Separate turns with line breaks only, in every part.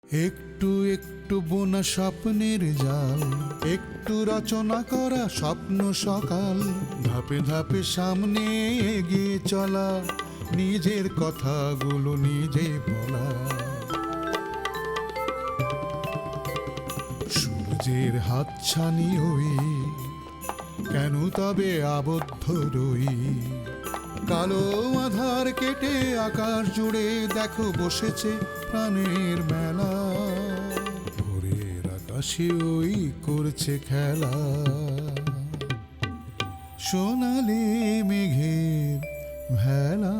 একটু একটু বোনা স্বপ্নের জাল, একটু রচনা করা স্বপ্ন সকাল, ধাপে ধাপে সামনে এগিয়ে চলা, নিজের কথাগুলো নিজে বলা। সূর্যের হাতছানি হই, কেন তবে আবদ্ধ রই? কালো আধার কেটে আকাশ জুড়ে দেখো বসেছে প্রাণের মেলা, ভোরের আকাশে ওই করছে খেলা, সোনালি মেঘের ভেলা।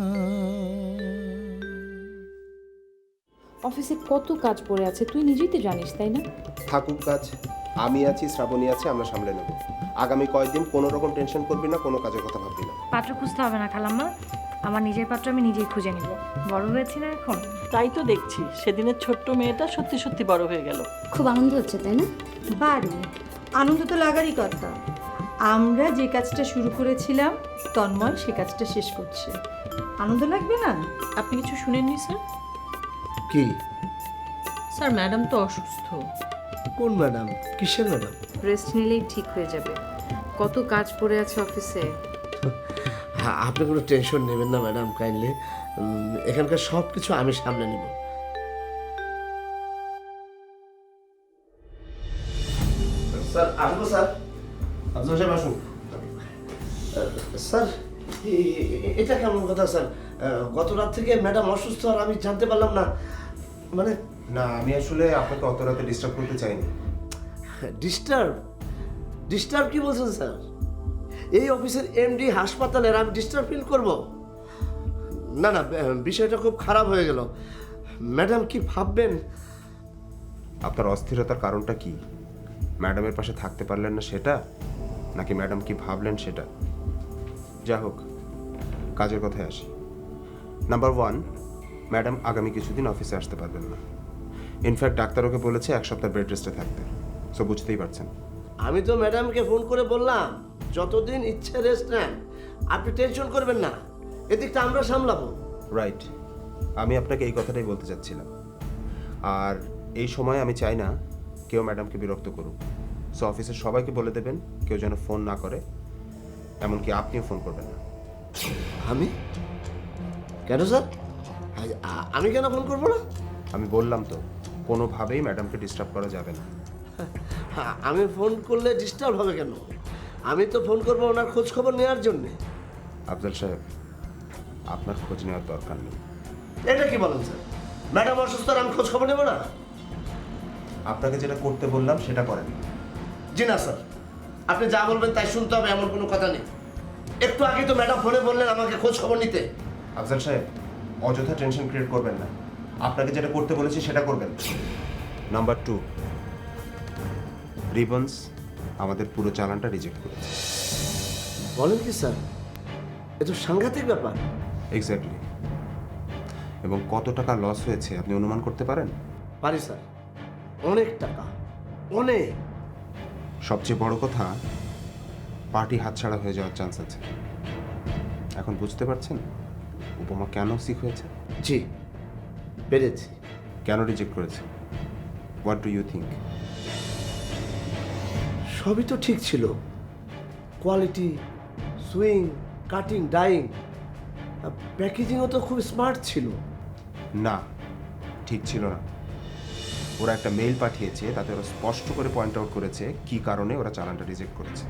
অফিসে কত কাজ পড়ে আছে তুই নিজেই তো জানিস, তাই না?
থাকুক কাজ, আমি আছি, শ্রাবণী আছে, আমরা সামলে নেব। আগামী কয়েকদিন কোনো রকম টেনশন করবি না, কোনো কাজের কথা ভাববি না।
পাত্র খুঁজতে হবে না খালাম্মা, আমার নিজের পাত্র আমি নিজেই খুঁজে নিব। বড় হয়েছি না এখন?
তাই তো দেখছি, সেদিনের ছোট্ট মেয়েটা সত্যি সত্যি বড় হয়ে গেল।
খুব আনন্দ হচ্ছে, তাই না?
বাড়ি আনন্দ তো লাগারই কথা। আমরা যে কাজটা শুরু করেছিলাম তন্ময় সে কাজটা শেষ করছে, আনন্দ লাগবে না?
আপনি কিছু শুনেননি স্যার?
কি?
স্যার ম্যাডাম তো অসুস্থ।
কোন ম্যাডাম? কিসের ম্যাডাম?
রেস্ট নিলেই ঠিক হয়ে যাবে। কত কাজ পড়ে আছে অফিসে।
হ্যাঁ, আপনি কোনো টেনশন নেবেন না ম্যাডাম, কাইন্ডলি। এখানকার সব কিছু আমি সামলে নেব। স্যার আসবো স্যার?
আফজাল সাহেব আসুন।
স্যার এটা কেমন কথা স্যার? গত রাত থেকে ম্যাডাম অসুস্থ আর আমি জানতে পারলাম না। মানে
না, আমি আসলে আপনাকে অত রাতে ডিস্টার্ব করতে চাইনি।
ডিস্টার্ব? ডিস্টার্ব কি বলছেন স্যার? এই অফিসের এমডি হাসপাতালের আমি ডিস্টার্ব ফিল করব? না না, বিষয়টা খুব খারাপ হয়ে গেল। ম্যাডাম কি ভাববেন?
আপনার অস্থিরতার কারণটা কি? ম্যাডামের পাশে থাকতে পারলেন না সেটা, নাকি ম্যাডাম কি ভাবলেন সেটা? যা হোক, কাজের কথায় আসি। নাম্বার ওয়ান, ম্যাডাম আগামী কিছুদিন অফিসে আসতে পারবেন না। ইনফ্যাক্ট ডাক্তার ওকে বলেছে 1 সপ্তাহ বেড রেস্টে থাকতে। সো বুঝতেই পারছেন।
আমি তো ম্যাডামকে ফোন করে বললাম যতদিন ইচ্ছে রেস্ট নেন, আপনি টেনশন করবেন না, এদিকটা আমরা সামলাবো।
রাইট, আমি আপনাকে এই কথাটাই বলতে চাচ্ছিলাম। আর এই সময় আমি চাই না কেউ ম্যাডামকে বিরক্ত করুক। সো অফিসের সবাইকে বলে দেবেন কেউ যেন ফোন না করে, এমনকি আপনিও ফোন করবেন না।
আমি কেন স্যার? আমি কেন ফোন করবো না?
আমি বললাম তো, কোনোভাবেই ম্যাডামকে ডিস্টার্ব করা যাবে না।
আমি ফোন করলে ডিস্টার্ব হবে কেন? আমি তো ফোন করবো ওনার খোঁজ খবর নেওয়ার জন্যে।
আফজাল সাহেব, আপনার খোঁজ নেওয়ার দরকার নেই।
এটা কি বলেন স্যার? ম্যাডাম অসুস্থ আর আমি খোঁজ খবর নেবো না?
আপনাকে যেটা করতে বললাম সেটা করেন।
জি না স্যার, আপনি যা বলবেন তাই শুনতে হবে এমন কোনো কথা নেই। একটু আগে তো ম্যাডাম ফোনে বললেন আমাকে খোঁজ খবর নিতে।
আফজাল সাহেব, অযথা টেনশন ক্রিয়েট করবেন না। আপনাকে যেটা করতে বলেছি সেটা করবেন। নাম্বার টু, রিবন্স আমাদের পুরো চালানটা রিজেক্ট করেছে।
বলেন কি স্যার? এ তো সাংঘাতিক ব্যাপার।
এক্স্যাক্টলি। এবং কত টাকা লস হয়েছে আপনি অনুমান করতে পারেন?
পারি স্যার, অনেক টাকা, অনেক।
সবচেয়ে বড় কথা, পার্টি হাতছাড়া হয়ে যাওয়ার চান্স আছে। এখন বুঝতে পারছেন উপমা কেন সিক হয়েছে,
জি, পেরেছি।
কেন রিজেক্ট করেছে? What do you think?
সবই তো ঠিক ছিল, কোয়ালিটি, সুইং, কাটিং, ডাইং, প্যাকেজিংও তো খুব স্মার্ট ছিল।
না, ঠিক ছিল না। ওরা একটা মেইল পাঠিয়েছে, তাতে ওরা স্পষ্ট করে পয়েন্ট আউট করেছে কি কারণে ওরা চালানটা রিজেক্ট করেছে।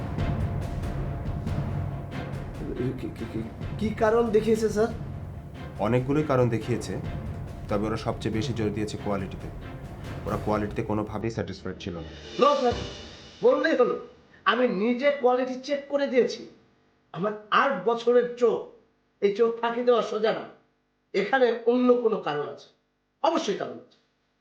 কি কারণ দেখিয়েছে স্যার?
অনেকগুলোই কারণ দেখিয়েছে, তবে ওরা সবচেয়ে বেশি জোর দিয়েছে কোয়ালিটিতে। ওরা কোয়ালিটিতে কোনোভাবেই স্যাটিসফাইড ছিল না।
নো স্যার, বললেই হলো, আমি নিজে কোয়ালিটি চেক করে দিয়েছি। আমার 8 বছরের চোখ, এই চোখ ফাঁকি দেওয়া সোজা না। এখানে অন্য কোনো কারণ আছে, অবশ্যই কারণ আছে।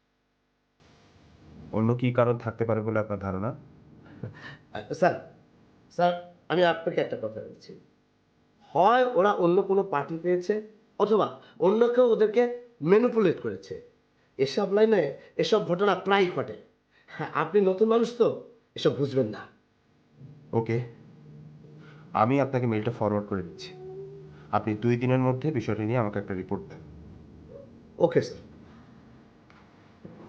অন্য কি কারণ থাকতে পারে বলে আপনার ধারণা?
স্যার, স্যার আমি আপনাকে একটা কথা বলছি, হয় ওরা অন্য কোনো পার্টি পেয়েছে, অথবা অন্য কেউ ওদেরকে ম্যানিপুলেট করেছে। এসব লাইনে এসব ঘটনা প্রায় ঘটে। হ্যাঁ, আপনি নতুন মানুষ তো এসব বুঝবেন না।
ওকে, আমি আপনাকে মেইলটা ফরওয়ার্ড করে দিচ্ছি। আপনি 2 দিনের মধ্যে বিষয়টা নিয়ে আমাকে একটা রিপোর্ট দেন।
Okay sir.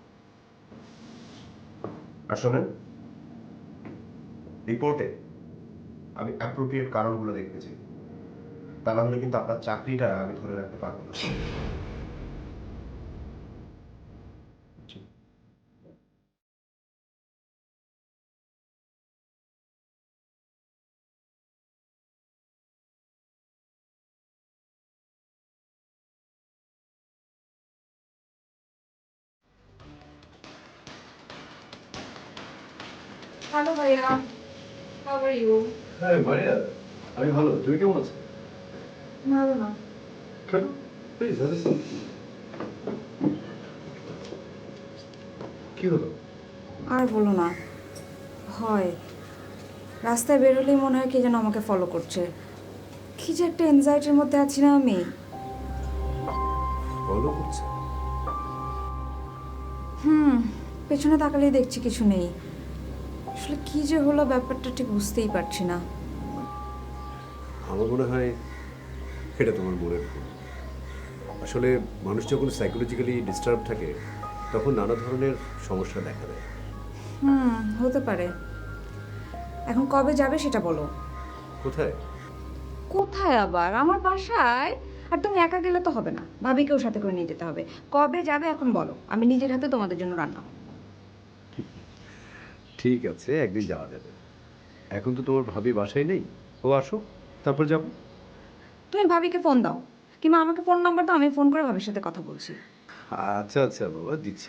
আর শোনেন, রিপোর্টে আমি অ্যাপ্রোপ্রিয়েট কারণগুলো দেখতেছি, তা না হলে কিন্তু আপনার চাকরিটা আমি ধরে রাখতে পারবো না।
হ্যালো ভাইয়া, হাউ আর ইউ?
হ্যাঁ মারিয়া, আমি ভালো। তুমি কেমন আছো?
ভালো না।
প্লিজ কি হলো?
আর বলো না, হয় রাস্তায় বেরোলেই মনে হয় কে যেন আমাকে ফলো করছে। কি যে একটা এনজাইটির মধ্যে আছি না আমি।
ফলো করছে?
পেছনে তাকালেই দেখছি কিছু নেই। আসলে কি যে হলো ব্যাপারটা ঠিক বুঝতেই পারছি না।
আমার মনে হয় এটা তোমার মনের ভুল। আসলে মানুষ যখন সাইকোলজিক্যালি ডিস্টার্ব থাকে তখন নানা ধরনের সমস্যা দেখা দেয়।
হতে পারে। এখন কবে যাবে সেটা বলো।
কোথায়?
কোথায় আবার? আমার বাসায়। আর তুমি একা গেলে তো হবে না, ভাবিকেও সাথে করে নিয়ে যেতে হবে। কবে যাবে এখন বলো, আমি নিজের হাতে তোমাদের জন্য রান্না করব।
ঠিক আছে, একদিন যাওয়া যাবে। এখন তো তোমার ভাবি বাসায় নেই, ও আসো তারপর যাবো।
তুমি ভাবিকে ফোন দাও, কিংবা আমাকে ফোন নাম্বার দাও, আমি ফোন করে ভাবির সাথে কথা বলছি।
আচ্ছা আচ্ছা বাবা, দিচ্ছি।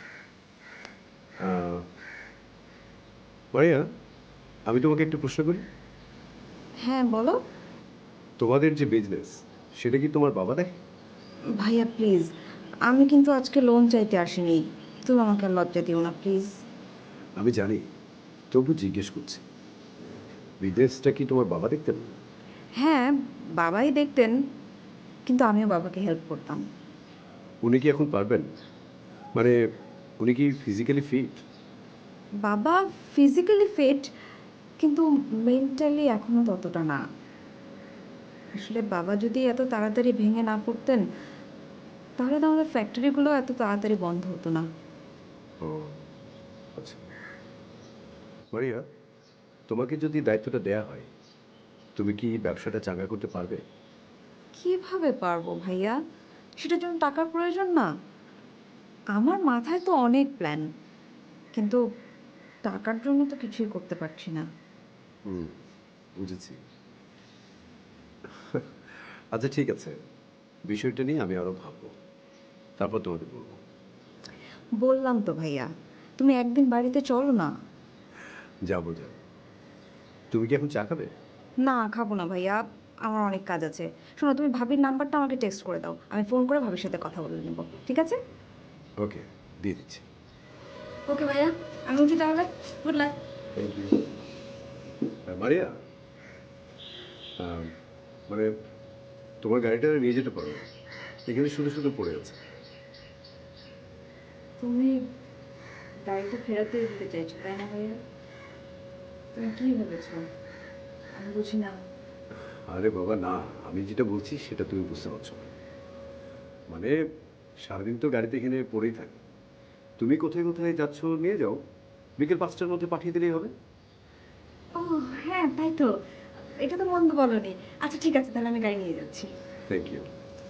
মারিয়া, আমি তোমাকে একটা প্রশ্ন করি।
হ্যাঁ বলো।
তোমাদের যে বিজনেস, সেটা কি তোমার বাবা দেখে?
ভাইয়া প্লিজ, আমি কিন্তু আজকে লোন চাইতে আসিনি। তুমি আমাকে আর লজ্জা দিও না প্লিজ।
আমি জানি, তবু জিজ্ঞেস করছি, বিজনেসটা কি তোমার বাবা দেখতেন?
হ্যাঁ, বাবাই দেখতেন, কিন্তু আমিও বাবাকে হেল্প করতাম।
উনি কি এখন পারবেন? মানে উনি কি ফিজিক্যালি ফিট?
বাবা ফিজিক্যালি ফিট, কিন্তু মেন্টালি এখনও ততটা না। আসলে বাবা যদি এত তাড়াতাড়ি ভেঙে না পড়তেন, তাহলে তো আমাদের ফ্যাক্টরিগুলো এত তাড়াতাড়ি বন্ধ হতো না।
ও আচ্ছা। মারিয়া, তোমাকে যদি দায়িত্বটা দেয়া হয়, তুমি কি ব্যবসাটা চাঙ্গা করতে পারবে?
কিভাবে পারবো ভাইয়া? সেটার জন্য টাকার প্রয়োজন না? আমার মাথায় তো অনেক প্ল্যান, কিন্তু টাকার জন্য তো কিছুই করতে পারছি না।
বুঝেছি। আচ্ছা ঠিক আছে, বিষয়টা নিয়ে আমি আরো ভাববো, তারপর তোমাকে বলবো।
বললাম তো ভাইয়া, তুমি একদিন বাড়িতে চলো না।
যাবো। তুমি কি এখন চা খাবে?
না খাবো না ভাইয়া, আমার অনেক কাজ আছে। শোনো, তুমি ভাবির নাম্বারটা আমাকে টেক্সট করে দাও, আমি ফোন করে ভাবির সাথে কথা বলে নেব, ঠিক আছে?
ওকে, দিয়ে দিচ্ছি।
ওকে ভাইয়া, আমি উঠি তাহলে। Good luck.
Thank you. Maria, মানে তোমার গাড়িটা নিয়ে যেতে পারো, এখানে শুধু শুধু পড়ে আছে।
তুমি গাড়িটা ফেরত দিয়ে দিতে চাইছো তাই না ভাইয়া? তুমি কি ভেবেছো আমি বুঝি না?
আরে বাবা না, আমি যেটা বলছি সেটা তুমি বুঝতে পারছো না। মানে সারাদিন তো গাড়িতে এখানে পড়েই থাকে, তুমি কোথায় কোথায় যাচ্ছ নিয়ে যাও, বিকেল 5টার মধ্যে পাঠিয়ে দিলেই হবে।
ও হ্যাঁ, তাই তো, এটা তো মন্দ বলনি। আচ্ছা ঠিক আছে, তাহলে আমি গাড়ি নিয়ে যাচ্ছি।
Thank you.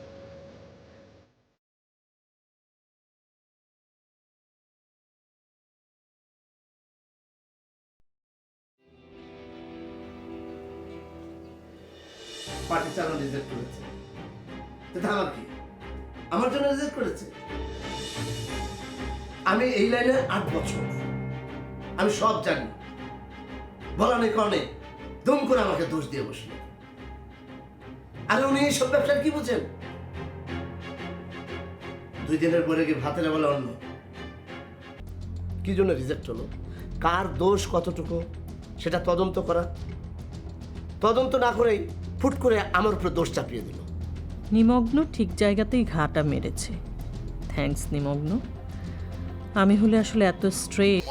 পার্টি চালানো রিজেক্ট করেছে, এটা আমার কি? আমার জন্য রিজেক্ট করেছে? আমি এই লাইনে 8 বছর, আমি সব জানি। বলা নেই কারণে দুম করে আমাকে দোষ দিয়ে বসলো। আর উনি এইসব ব্যবসার কি বুঝেন? 2 দিনের পরে কি ভাতের বেলা অন্য কি জন্য রিজেক্ট হলো, কার দোষ কতটুকু সেটা তদন্ত করা। তদন্ত না করেই ফুট করে আমার উপরে দোষ চাপিয়ে দিল।
নিমগ্ন ঠিক জায়গাতেই ঘাটা মেরেছে। থ্যাঙ্কস নিমগ্ন। আমি হলে আসলে এত স্ট্রেট।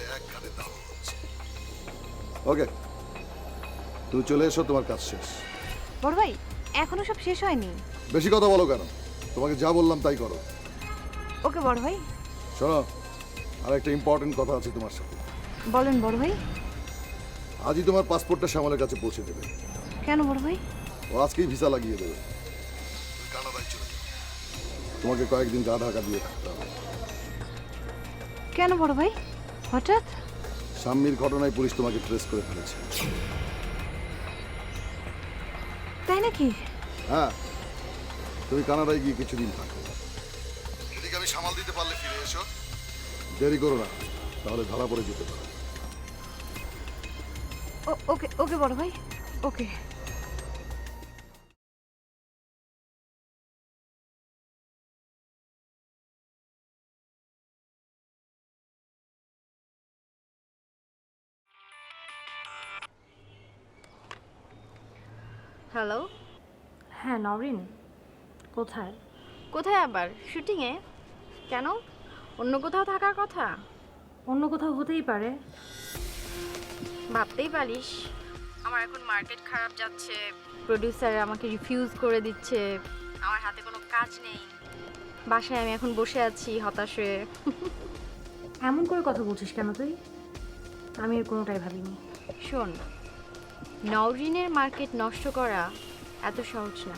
ওকে, তুমি চলে এসো, তোমার কাজ শেষ।
বড় ভাই, এখনো সব শেষ হয়নি।
বেশি কথা বলো কেন? তোমাকে যা বললাম তাই করো।
ওকে বড় ভাই।
শোনো, আর একটা ইম্পর্টেন্ট কথা আছে তোমার সাথে।
বলেন বড় ভাই।
আজই তোমার পাসপোর্টটা শ্যামলের কাছে পৌঁছে দেবে।
কেন বড় ভাই?
ও আজকেই ভিসা লাগিয়ে দেবে। তুমি কানাডায় চলে যাও। তোমাকে কয়েকদিন গা ঢাকা দিয়ে থাকতে হবে।
কেন বড় ভাই, হঠাৎ?
সাম্মির ঘটনায় পুলিশ তোমাকে ট্রেস করে ফেলেছে।
তাই নাকি?
হ্যাঁ, তুমি কানাডায় গিয়ে কিছুদিন থাকো। এদিকে আমি সামাল দিতে পারলে ফিরে এসো। দেরি করো না, তাহলে ধরা পড়ে যেতে পারো।
ওকে ওকে বড় ভাই, ওকে।
হ্যালো।
হ্যাঁ নরিন, কোথায়?
কোথায় আবার? শুটিংয়ে? কেন, অন্য কোথাও থাকার কথা?
অন্য কোথাও হতেই পারে।
ভাবতেই পারিস, আমার এখন মার্কেট খারাপ যাচ্ছে, প্রডিউসার আমাকে রিফিউজ করে দিচ্ছে, আমার হাতে কোনো কাজ নেই, বাসায় আমি এখন বসে আছি হতাশ হয়ে।
এমন করে কথা বলছিস কেন তুই? আমি এর কোনোটাই ভাবিনি।
শোন, নওরিনের মার্কেট নষ্ট করা এত সহজ না।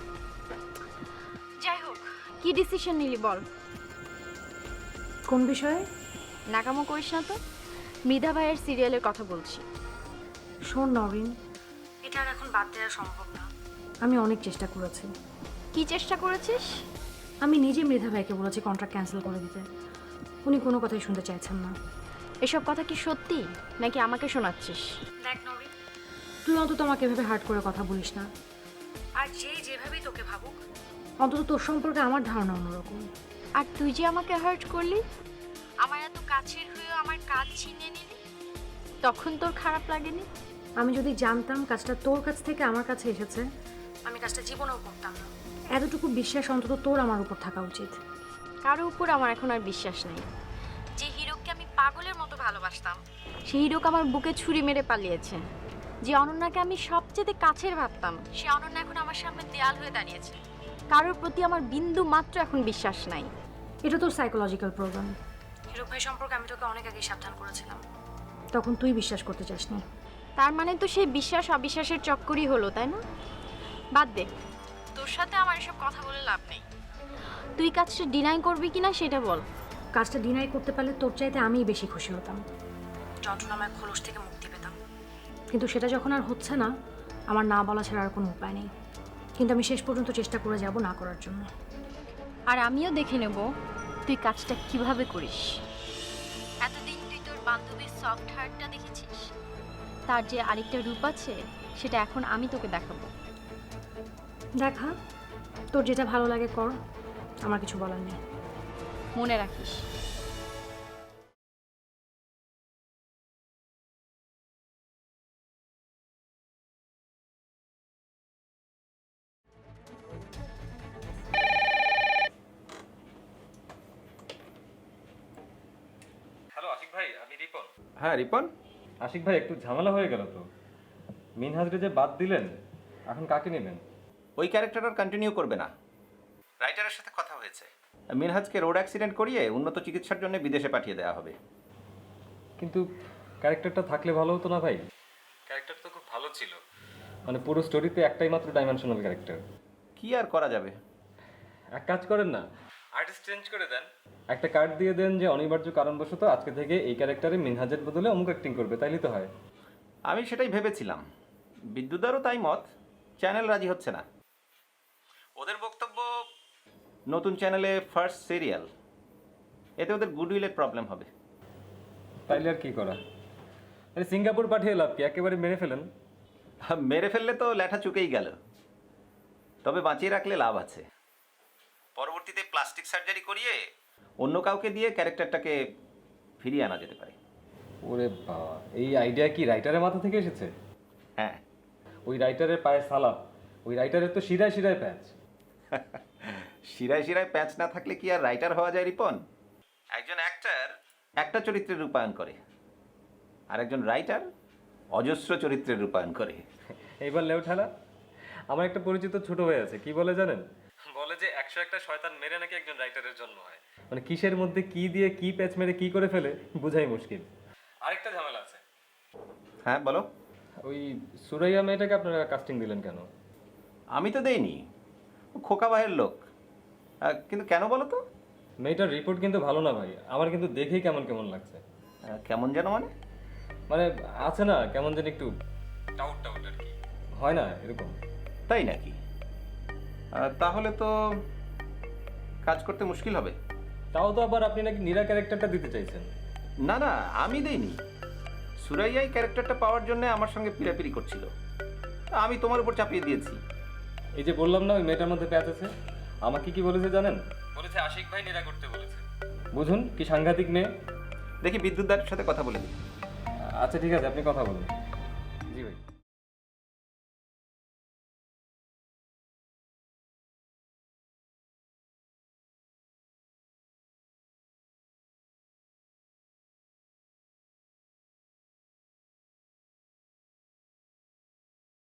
যাই হোক, কি ডিসিশন নিলি বল?
কোন বিষয়ে?
নাকামো করিস না তো, মৃধা ভাইয়ের সিরিয়ালের কথা বলছি।
শোন নরিন, এটা আর এখন বাদ দেওয়া সম্ভব না। আমি অনেক চেষ্টা করেছি।
কি চেষ্টা করেছিস?
আমি নিজে মৃধা ভাইকে বলেছি কন্ট্রাক্ট ক্যান্সেল করে দিতে। উনি কোনো কথাই শুনতে চাইছেন না।
এসব কথা কি সত্যি নাকি আমাকে শোনাচ্ছিস?
দেখ নরিন, তুই অন্তত আমাকে এভাবে হার্ট করে কথা বলিস না। আর যেভাবেই তোকে ভাবুক, অন্তত তোর সম্পর্কে আমার ধারণা অন্যরকম।
আর তুই যে আমাকে হার্ট করলি, আমার এত কাছের হয়েও আমার কাজ ছিনিয়ে নিলি, তখন তোর খারাপ লাগেনি?
আমি যদি জানতাম কাজটা তোর কাছ থেকে আমার কাছে এসেছে, আমি কাজটা জীবনেও করতাম না। এতটুকু বিশ্বাস অন্তত তোর আমার উপর থাকা উচিত।
কারো উপর আমার এখন আর বিশ্বাস নেই। যে হিরোকে আমি পাগলের মতো ভালোবাসতাম, সেই হিরোকে আমার বুকে ছুরি মেরে পালিয়েছে। যে অনন্যাকে আমি সবচেয়ে কাছের ভাবতাম, সে অনন্যা এখন আমার সামনে দেয়াল হয়ে দাঁড়িয়েছে। কারোর প্রতি আমার বিন্দু মাত্র এখন বিশ্বাস নাই।
এটা তোর সাইকোলজিক্যাল প্রবলেম। হিরো ভাই সম্পর্কে আমি তোকে অনেক আগেই সাবধান করেছিলাম, তখন তুই বিশ্বাস করতে চাসনি।
তার মানে তো সেই বিশ্বাস অবিশ্বাসের চক্করই হলো, তাই না? বাদ দে, তোর সাথে আমার এসব কথা বলে লাভ নেই। তুই কাজটা ডিনাই করবি কিনা সেটা বল।
কাজটা ডিনাই করতে পারলে তোর চাইতে আমিই বেশি খুশি হতাম, যন্ত্রণাময় খোলস থেকে মুক্তি পেতাম। কিন্তু সেটা যখন আর হচ্ছে না, আমার না বলা ছাড়া আর কোনো উপায় নেই। কিন্তু আমি শেষ পর্যন্ত চেষ্টা করে যাব না করার জন্য।
আর আমিও দেখে নেব তুই কাজটা কিভাবে করিস। এতদিন তুই তোর বান্ধবীর সফট হার্টটা দেখেছিস, তার যে আরেকটা রূপ আছে সেটা এখন আমি তোকে দেখাবো।
দেখা, তোর যেটা ভালো লাগে কর, আমার কিছু বলার নেই।
মনে রাখিস।
হ্যালো আশিক ভাই, আমি রিপন।
হ্যাঁ রিপন।
আশিক ভাই, একটু ঝামেলা হয়ে গেল তো। মিনহাজরে যে বাদ দিলেন, এখন কাকে নেবেন?
ওই ক্যারেক্টার আর কন্টিনিউ করবে না। রাইটারের সাথে কথা হয়েছে, মিনহাজকে রোড অ্যাক্সিডেন্ট করিয়ে উন্নত চিকিৎসার জন্য বিদেশে পাঠিয়ে দেওয়া হবে।
কিন্তু ক্যারেক্টারটা থাকলে ভালো হতো না ভাই? ক্যারেক্টার তো খুব ভালো ছিল, মানে পুরো স্টোরিতে একটাই মাত্র ডাইমেনশনাল ক্যারেক্টার।
কি আর করা যাবে?
এক কাজ করেন না, আর্টিস্ট চেঞ্জ করে দেন, একটা কার্ড দিয়ে দেন যে অনিবার্য কারণবশত আজকে থেকে এই ক্যারেক্টারে মিনহাজের বদলে অমুক অ্যাক্টিং করবে, তাইলে তো হয়।
আমি সেটাই ভেবেছিলাম, বিদ্যুদারও তাই মত, চ্যানেল রাজি হচ্ছে না। ওদের বক্তব্য নতুন চ্যানেলে ফার্স্ট সিরিয়াল, এতে ওদের গুডউইলের প্রবলেম হবে।
তাইলে আর কি করা? আরে সিঙ্গাপুর পাঠিয়ে লাভ কি, একেবারে মেরে ফেলেন।
মেরে ফেললে তো ল্যাঠা চুকেই গেল, তবে বাঁচিয়ে রাখলে লাভ আছে। পরবর্তীতে প্লাস্টিক সার্জারি করিয়ে অন্য কাউকে দিয়ে ক্যারেক্টারটাকে ফিরিয়ে আনা যেতে পারে।
ওরে বাবা, এই আইডিয়া কি রাইটারের মাথা থেকে এসেছে?
হ্যাঁ।
ওই রাইটারের পায়ে সালাপ, ওই রাইটারের তো শিরায় শিরায় প্যাচ।
শিরায় শিরায় প্যাচ না থাকলে কি আর রাইটার হওয়া যায় রিপন? একজন অ্যাক্টর একটা চরিত্রের রূপায়ণ করে, আর একজন রাইটার অজস্র চরিত্রের রূপায়ণ করে।
এইবার লেউ ঠেলা। আমার একটা পরিচিত ছোট ভাই আছে, কি বলে জানেন? বলে যে 101টা শয়তান মেরে নাকি একজন রাইটারের জন্ম হয়। মানে কিসের মধ্যে কি দিয়ে কি প্যাচ মেরে কি করে ফেলে বুঝাই মুশকিল। আরেকটা ঝামেলা আছে।
হ্যাঁ বলো।
ওই সুরাইয়া মেয়েটাকে আপনারা কাস্টিং দিলেন কেন?
আমি তো দেইনি, ও খোকা ভাইয়ের লোক। কিন্তু কেন বলো তো?
মেয়েটার রিপোর্ট কিন্তু ভালো না ভাই, আমার কিন্তু দেখেই কেমন কেমন লাগছে।
কেমন যেন মানে?
মানে আছে না কেমন যেন একটু টাউট টাউট আর কি, হয় না এরকম?
তাই নাকি? তাহলে তো কাজ করতে মুশকিল হবে।
তাও তো আবার আপনি নাকি নীরা ক্যারেক্টারটা দিতে চাইছেন।
না না, আমি দেইনি। সুরাইয়াই ক্যারেক্টারটা পাওয়ার জন্য আমার সঙ্গে পিড়াপিড়ি করছিল, আমি তোমার উপর চাপিয়ে দিয়েছি।
এই যে বললাম না ওই মেয়েটার মধ্যে প্যাচ আছে, আমাকে কি বলেছে জানেন? বলেছে আশিক ভাই নীরা করতে বলেছে। বুঝুন কি সাংঘাতিক মেয়ে।
দেখি বিদ্যুৎ দার সাথে কথা বলে দিই।
আচ্ছা ঠিক আছে, আপনি কথা বলুন। জি ভাই।